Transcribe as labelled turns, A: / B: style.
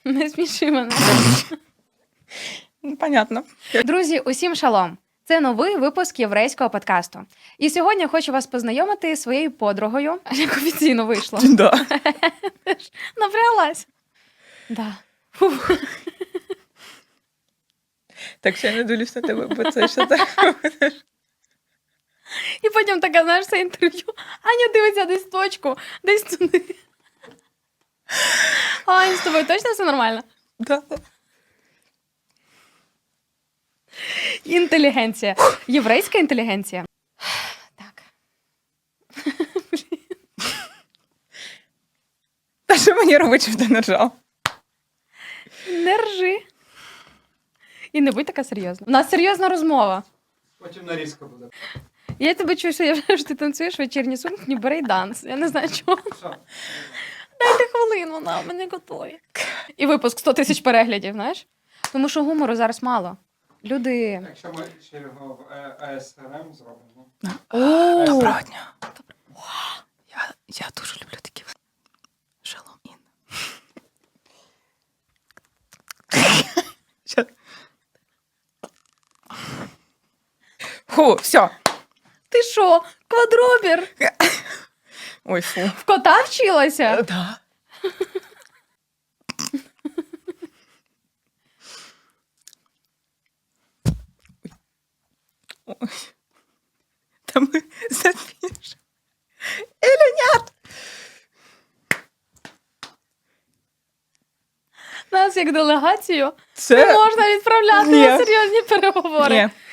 A: Не сміши мене.
B: Понятно.
A: Друзі, усім шалом! Це новий випуск єврейського подкасту. І сьогодні я хочу вас познайомити зі своєю подругою, як офіційно вийшло.
B: Да.
A: Напряглась. Да. Фух.
B: Так що я не дивлюсь на тебе, бо це що так.
A: І потім така, знаєш, це інтерв'ю. Аня дивиться десь в точку, десь туди. Ань, з тобою точно все нормально?
B: Да.
A: Інтелігенція. Єврейська інтелігенція. Так.
B: Та що мені робити, щоб ти не ржав?
A: Не ржи. І не будь така серйозна. У нас серйозна розмова.
C: Потім нарізка буде.
A: Я тебе чую, що я вже ти танцюєш вечірні сукні, брейданс. Я не знаю чого.
C: Що?
A: Дайте хвилину, вона мене готові. І випуск 100 тисяч переглядів, знаєш? Тому що гумору зараз мало. Люди...
C: Якщо ми ще його в АСРМ зробимо.
B: Доброго дня. Я дуже люблю такі. Шалом Ін. Фу, все.
A: Ти що, квадробір?
B: Ой, фу.
A: В кота вчилася?
B: Да. Ой. Та ми запишемо. Ілюнят!
A: Нас як делегацію
B: Це...
A: не можна відправляти
B: Ні.
A: на серйозні переговори.
B: Ні.